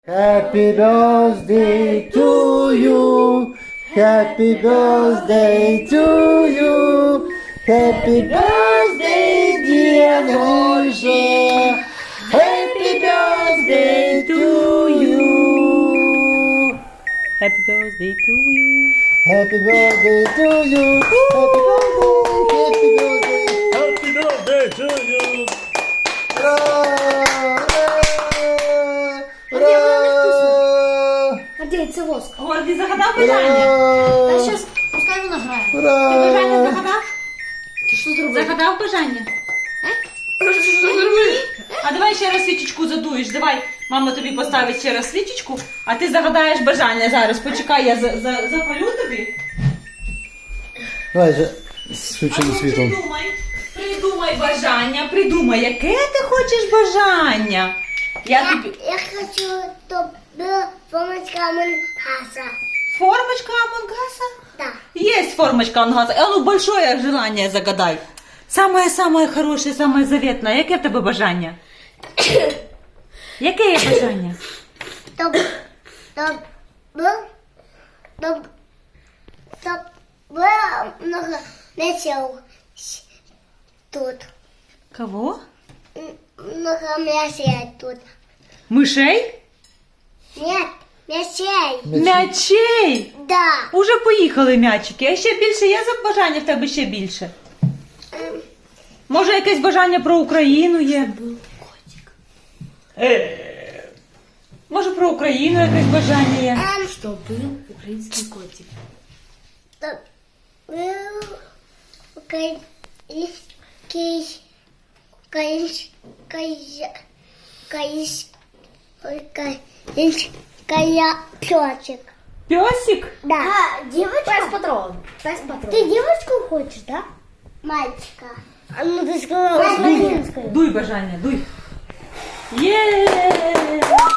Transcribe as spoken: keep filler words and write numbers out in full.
Happy birthday to you. Happy birthday to you. Happy birthday, dear Roger. Happy birthday to you. Happy birthday to you. Happy birthday to you. Happy birthday. Happy birthday. Happy birthday to you. Ура! Ура! Гордій, це воск. Гордій, загадав бажання? Та Ура! щас, пускай вона грає. Ти бажання Ура! загадав? Ти що зробив? Загадав бажання? А давай ще раз свічечку задуєш. Давай, мама тобі поставить ще раз свічечку, а ти загадаєш бажання зараз. Почекай, я за, за, запалю тобі. Давай же з включеним А ну, світлом. Придумай, придумай бажання, придумай, яке ти хочеш бажання. Я тобі... Я хочу, чтобы была помощь Амонгаса. Формочка Амонгаса? Да. Есть формочка Амонгаса. А ну, большое желание загадай. Самое-самое хорошее, самое заветное. Яке в тебе бажання? Яке є бажання? Чтоб, чтоб был, чтоб, чтоб было много летел тут. Кого? М, Много мясей тут. Мишей? Нет, мясей. М'ячей! Да. Уже поїхали м'ячики. А ще більше є за бажання в тебе ще більше? Ем, Може, якесь бажання про Україну є? Е, Може, про Україну якесь бажання є? ем, Що був український котик. Чтоб был украинский, украинский, украинский пёчек. Пьосик? Да. А, девочка? Пес патрон. Пес патрон. Ты девочку хочешь, да? Мальчика. А ну ты сказала Дуй, дуй бажання, дуй. Є!